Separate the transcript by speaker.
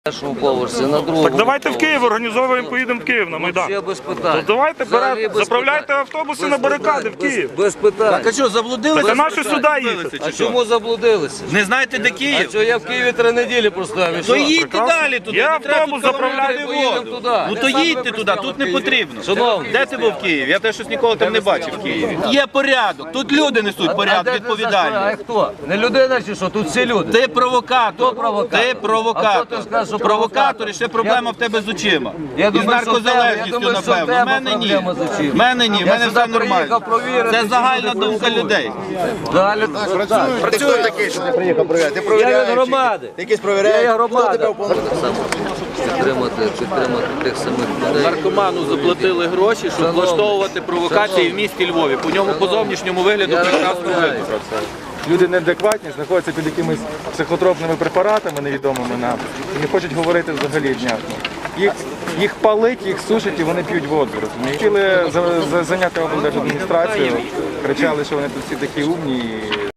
Speaker 1: першому поверсі, на другому.
Speaker 2: Так давайте в Київ організовуємо, поїдемо в Київ на Майдан.
Speaker 1: Ще без питань.
Speaker 2: То давайте заправляйте
Speaker 1: питань.
Speaker 2: автобуси на барикади в Київ.
Speaker 1: Без питань.
Speaker 3: Так а що, заблудилися?
Speaker 2: Так а наші сюди їхати?
Speaker 1: А чому заблудилися?
Speaker 3: Не знаєте, де
Speaker 1: А
Speaker 3: Київ?
Speaker 1: що я в Києві 3 неділі проставив?
Speaker 3: То їдьте далі туди,
Speaker 2: Я
Speaker 3: не треба
Speaker 2: автобус
Speaker 3: тут
Speaker 2: заправляю,
Speaker 3: заправляти
Speaker 1: поїдемо
Speaker 3: воду.
Speaker 1: туди.
Speaker 3: Ну то їдьте туди, тут не потрібно.
Speaker 1: Шановні.
Speaker 3: Де ти був в Києві? Я теж щось ніколи там не бачив в Києві. Є порядок, тут люди несуть порядок,
Speaker 1: А
Speaker 3: відповідальність.
Speaker 1: хто? Не людина чи що? Тут всі люди.
Speaker 3: Ти провокатор.
Speaker 1: провокатор?
Speaker 3: Ти
Speaker 1: А хто
Speaker 3: провокатор.
Speaker 1: ти скажеш, що
Speaker 3: Провокатор і ще проблема в тебе з очима.
Speaker 1: Я
Speaker 3: І з
Speaker 1: думаю, що в тебе-
Speaker 3: наркозалежністю,
Speaker 1: я думаю, що в
Speaker 3: напевно. У
Speaker 1: тебе
Speaker 3: мене ні.
Speaker 1: проблема з очима.
Speaker 3: В мене ні, в
Speaker 1: Я
Speaker 3: мене
Speaker 1: сюди
Speaker 3: все нормально.
Speaker 1: приїхав провірити,
Speaker 3: Це
Speaker 1: чи
Speaker 3: загальна
Speaker 1: люди
Speaker 3: думка людей.
Speaker 1: Далі.
Speaker 4: Працює такий, що ти приїхав перевіряти. Ти провіряєш.
Speaker 1: Я від громади.
Speaker 4: Ти якийсь провіряєш.
Speaker 1: Я є
Speaker 4: Хто
Speaker 1: громада.
Speaker 4: тебе уповноважив?
Speaker 1: Так само підтримати тих самих людей.
Speaker 3: Наркоману заплатили гроші, щоб влаштовувати провокації в місті Львові. По ньому по зовнішньому вигляду прекрасно видно.
Speaker 5: Люди неадекватні, знаходяться під якимись психотропними препаратами невідомими нам і не хочуть говорити взагалі внятно. Їх палить, їх сушить і вони п'ють воду. Розумієте? Хотіли зайняти облдержадміністрацію, кричали, що вони тут всі такі умні.